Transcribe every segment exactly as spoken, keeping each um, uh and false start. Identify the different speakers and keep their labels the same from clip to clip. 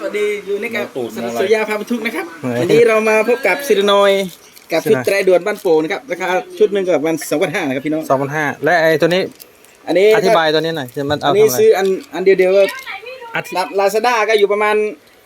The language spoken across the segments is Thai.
Speaker 1: วัสดีอยู่ในกับสุริยาพาบรรทุกนะครับวันนี้เรามาพบกับซิรนอยกับชุดไตรด่วนบ้านโป่งนะครับราคาชุดหนึ่งก็ประมาณสองพันห้านะครับพี่น้อง
Speaker 2: สองพันห้าและไอ้ตัวนี้
Speaker 1: อันนี้
Speaker 2: อธิบายตัวนี้หน่อยมันเอา
Speaker 1: อันนี้ซื้ออันอันเดียวเดียวก็ลาซาด้าก็อยู่ประมาณ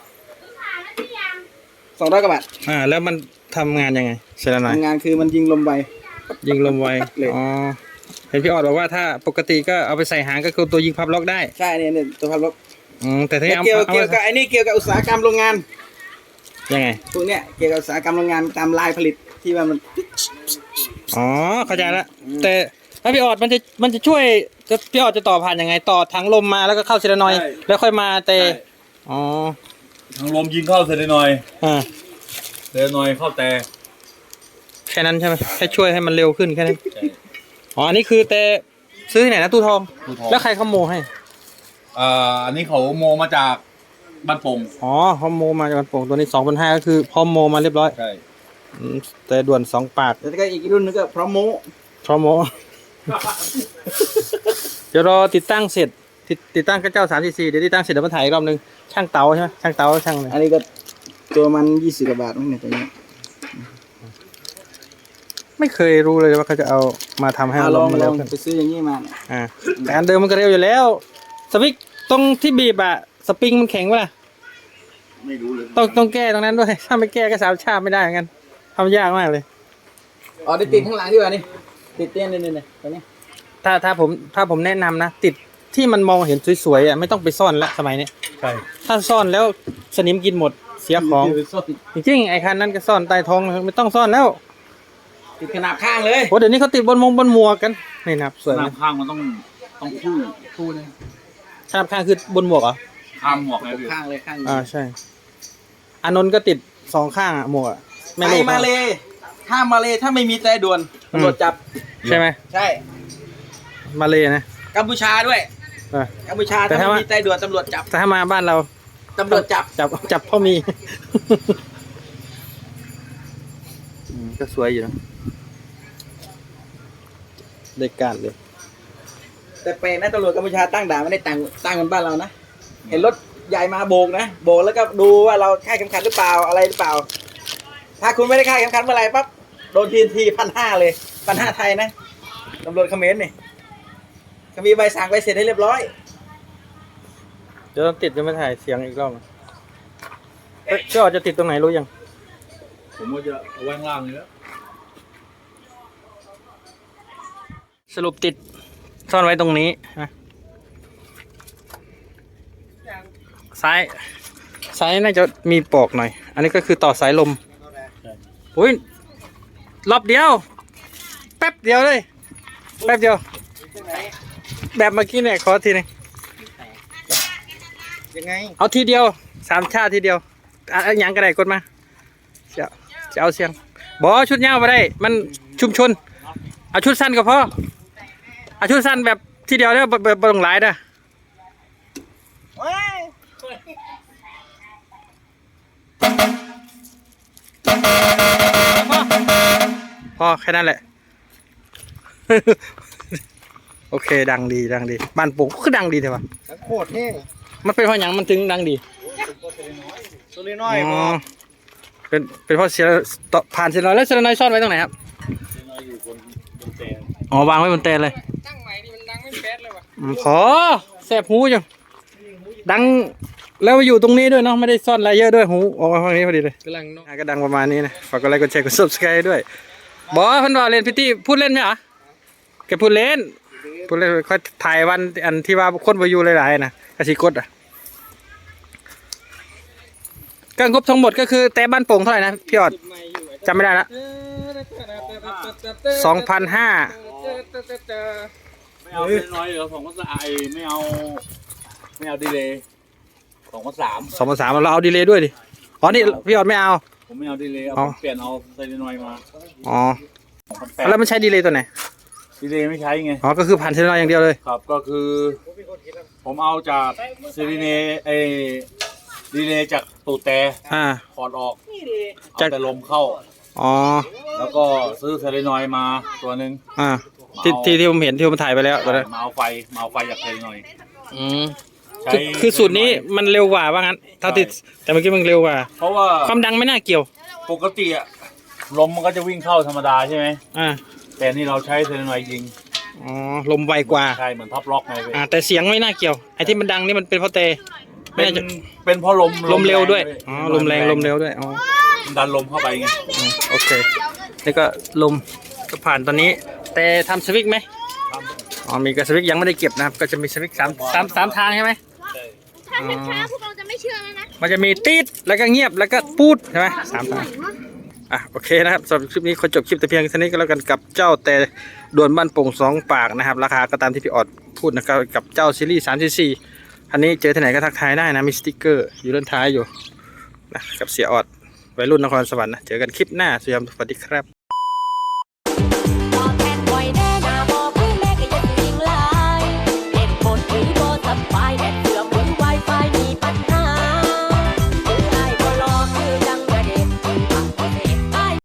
Speaker 1: สองร้อยกว่าบาท
Speaker 2: อ่าแล้วมันทำงานยังไงซิรนอย
Speaker 1: ทำงานคือมันยิงลมไว
Speaker 2: ยิงลมไวอ๋อเห็นพี่ออดบอกว่าถ้าปกติก็เอาไปใส่หางก็คือตัวยิงพับล็อกได้
Speaker 1: ใช่เนี่ยเนี่ยตัวพับล็อก
Speaker 2: อืมแต่ที่
Speaker 1: เกี่ยวเกี่ยวกับไอ้นี่เกี่ยวกับอุตสาหกรรมโรงงาน
Speaker 2: ยังไง
Speaker 1: พวกเนี้ยเกี่ยวกับอุตสาหกรรมโรงงานตามลายผลิตที่ว่ามัน
Speaker 2: อ๋อเข้าใจแล้วแต่ถ้าพี่ออดมันจะมันจะช่วยจะพี่ออดจะต่อผ่านยังไงต่อถังลมมาแล้วก็เข้าซิรนอยแล้วค่อยมาเตะอ๋อ
Speaker 3: ถังลมยิงเข้าเซเลนอย
Speaker 2: อ่า
Speaker 3: เซเลนอยเข้าแต่
Speaker 2: แค่นั้นใช่ไหมแค่ช่วยให้มันเร็วขึ้นแค่นั้นอ๋ออันนี้คือแต่ซื้อที่ไหนนะตู้ทองแล้วใครเขาโมให้
Speaker 3: อ่าอันนี้เขาโมมาจากบ้านโป่ง
Speaker 2: อ๋อเขาโมมาจากบ้านโป่งตัวนี้สองพันห้าก็คือพร้อมโมมาเรียบร้อย
Speaker 3: ใช่
Speaker 2: แต่ด่วนสองปาก
Speaker 1: แล้วก็อีกรุ่นนึงก็พร้อมโม
Speaker 2: พร้อมโมเดี๋ยวรอติดตั้งเสร็จติดตั้งกระเจ้าสามสี่สี่เดี๋ยวติดตั้งเสร็จเดี๋ยวมาถ่ายอีกรอบนึงช่างเต๋าใช่ไหมช่างเต๋าช่างเลย
Speaker 1: อันนี้ก็ตัวมันยี่สิบกว่าบาทมั้งเนี่ยตัวนี้
Speaker 2: ไม่เคยรู้เลยว่าเขาจะเอามาทำให้
Speaker 1: ลองมาลองไปซื้ออย่างนี้มา
Speaker 2: อ่าแต่อันเดิมมันก็เร็วอยู่แล้วสวิกตรงที่บีบอะสปริงมันแข็งวะล่ะ
Speaker 3: ไม่รู้เลย
Speaker 2: ต้องต้องแก้ตรงนั้นด้วยถ้าไม่แก้ก็สามชาติไม่ได้เหมือนกันทำยากมากเลย
Speaker 1: อ๋อได้ติดข้างหลังที่ว่านี่ติดเตี้ยนี่นี่นี่ตัวนี้
Speaker 2: ถ้าถ้าผมถ้าผมแนะนำนะติดที่มันมองเห็นสวยๆอะไม่ต้องไปซ่อนแล้วสมัยนี้
Speaker 3: ใช่
Speaker 2: ถ้าซ่อนแล้วสนิมกินหมดเสียของจริงๆไอ้คันนั้นก็ซ่อนใต้ท้องไม่ต้องซ่อนแล้ว
Speaker 1: ติดขนาบข้างเลย
Speaker 2: โอ้เดี๋ยวนี้เขาติดบนมงบนหมวกกันนี่นะสวย
Speaker 3: ขนาบข้างมันต้องต้องคู่คู่เลย
Speaker 2: ขนาบข้างคือบนหมวกเหรอ
Speaker 3: ข้างหมวกเลย
Speaker 1: ข้างเลยข้าง
Speaker 2: อ่าใช่อานนท์ก็ติดสองข้างอะหมวก
Speaker 1: ไม่รู้มาเลยห้ามมาเลยถ้าไม่มีแต่ด่วนตำรวจจับ
Speaker 2: ใช่ไหม
Speaker 1: ใช่
Speaker 2: มาเลยนะ
Speaker 1: กัมพูชาด้วยกัมพูชาถ้าไม่มีแต่ด่วนตำรวจจับ
Speaker 2: แต่ถ้ามาบ้านเรา
Speaker 1: ตำรวจจับ
Speaker 2: จับจับพ่อมีก็สวยอยู่นะเด็กการเลย
Speaker 1: แต่เปนะตำรวจกัมพูชาตั้งด่านไม่ได้ตั้งตั้งกันบ้านเรานะเห็นรถใหญ่มาโบกนะโบกแล้วก็ดูว่าเราคาดเข็มขัดหรือเปล่าอะไรหรือเปล่าถ้าคุณไม่ได้คาดเข็มขัดเมื่อไรปั๊บโดนทีนทีพันห้าเลยพันห้าไทยนะตำรวจเขมรนี่เขามีใบสั่งใบเสร็จให้เรียบร้อย
Speaker 2: เดี๋ยวต้องติดจะไม่ถ่ายเสียงอีกรอบเอ๊ะจะจะติดตรงไหนรู้ยัง
Speaker 3: ผมว่าจะเอาไว้ข้างล่างเลย
Speaker 2: สรุปติดซ่อนไว้ตรงนี้นะซ้ายซ้ายน่าจะมีปอกหน่อยอันนี้ก็คือต่อสายลมอุ้ยรอบเดียวแป๊บเดียวเลยแป๊บเดียวแบบเมื่อกี้เนี่ยขอทีนึง
Speaker 1: ยังไง
Speaker 2: เอาทีเดียวสามชาติทีเดียวอ่ะยังกระไดกดมาจะจะเอาเสียงบอชุดยาวมาได้มันชุมชนเอาชุดสั้นก็พอเอาชุดสั้นแบบทีเดียวเนี่ยแบบตรงหลายนะพอแค่นั้นแหละโอเคดังดีดังดีบ้านปู่ก็ดังดีแต่ว่า
Speaker 1: โคตรเท่
Speaker 2: มันเป็นเพราะอย่างมันถึงดังดี
Speaker 1: ตัวเล็กน้อยอ๋อ
Speaker 2: เป็นเป็นเพราะเสียต่อผ่านเสียน้อยแล้วเสียน้อยซ่อนไว้ตรงไหนครับอ๋อวางไว้บนเตียงเลยตั้งใหม่นี่มันดังไม่แป๊ดเลยว่ะขอแสบหูจังดังแล้วอยู่ตรงนี้ด้วยเนาะไม่ได้ซ่อนอะไรเยอะด้วยหูออกมาฝั่งนี้พอดีเลยกำลังก็ดังประมาณนี้นะฝากกดไลค์กดแชร์กด ซับสไครบ์ ด้วยบอสพันวาเล่นพิธีพูดเล่นไหมอ่ะแกพูดเล่นพูดเล่นค่อยถ่ายวันอันที่ว่าคนไปอยู่หลายๆนะกระสีกดอ่ะการงบทั้งหมดก็คือแต่บ้านโป่งเท่าไหร่นะพี่ออดจำไม่ได้ละสองพันห้า
Speaker 3: ไม่เอาเป็นน้อยเหรอสองพันสามไม่เอาไม่เอาดีเลยสองพันสาม
Speaker 2: สองพันสามเราเอาดีเลยด้วยดิอ๋อนี่พี่ออดไม่เอา
Speaker 3: ผมไม่เอาดีเลยเอาเปลี่ยนเอาไซเรนอยมา
Speaker 2: อ๋อแล้วมันใช้ดีเลยตัวไหน
Speaker 3: ดีเลยไม่ใช้ไง
Speaker 2: อ๋อก็คือผ่านไซเรนอยอย่างเดียวเลย
Speaker 3: ครับก็คือผมเอาจากไซเรนไอดีเลยจากตูดแต่ถอดออกจากแต่ลมเข้า
Speaker 2: อ๋อ
Speaker 3: แล้วก็ซื้อไซเรนอยมาตัวหนึ่ง
Speaker 2: อ่าที่ที่ที่ผมเห็นที่ผมถ่ายไปแล้วตัวนั้น
Speaker 3: มาเอาไฟมาเอาไฟจากไซเรนอย
Speaker 2: อืม
Speaker 3: ใช้
Speaker 2: คือคือสูตรนี้มันเร็วกว่าว่างั้นเท่าที่แต่เมื่อกี้มันเร็วกว่า
Speaker 3: เพราะว่า
Speaker 2: ความดังไม่น่าเกี่ยว
Speaker 3: ปกติอะลมมันก็จะวิ่งเข้าธรรมดาใช่ไหม
Speaker 2: อ่า
Speaker 3: แต่นี่เราใช้เซเลนอยด์ยิง
Speaker 2: อ๋อลมไวกว่า
Speaker 3: ใช่เหมือนท็อปล็อกไงพี่
Speaker 2: อ่าแต่เสียงไม่น่าเกี่ยวไอ้ที่มันดังนี่มันเป็นเพราะเตไม่
Speaker 3: เป็น
Speaker 2: น่าจะ
Speaker 3: เป็นเพราะลม
Speaker 2: ลมเร็วด้วย
Speaker 3: แง
Speaker 2: อ๋อลมแรงลมเร็วด้วยอ๋อ
Speaker 3: มันดันลมเข้าไปไง
Speaker 2: อืมโอเคนี่ก็ลมก็ผ่านตอนนี้ แต่ทำสวิกไหมอ๋อมีกระสวิกยังไม่ได้เก็บนะครับก็จะมีสวิกสามสามสามทางใช่ไหม
Speaker 4: ถ้าช้าๆพวกเราจะไม่เชื่อแล้วนะ
Speaker 2: มันจะมีตีดแล้วก็เงียบแล้วก็ปูดใช่ไหมสามทางอ่ะโอเคนะครับสำหรับคลิปนี้ขอจบคลิปแต่เพียงเท่านี้ก็แล้วกันกับเจ้าแต่ด่วนบ้านโป่งสองปากนะครับราคาก็ตามที่พี่ออดพูดนะครับกับเจ้าซีรีส์สามสี่สี่อันนี้เจอที่ไหนก็ทักทายได้นะมีสติ๊กเกอร์อยู่ด้านท้ายอยู่นะกับเสียออดวัยรุ่นนครสวรรค์นะเจอกันคลิปหน้าสวัสดีครับ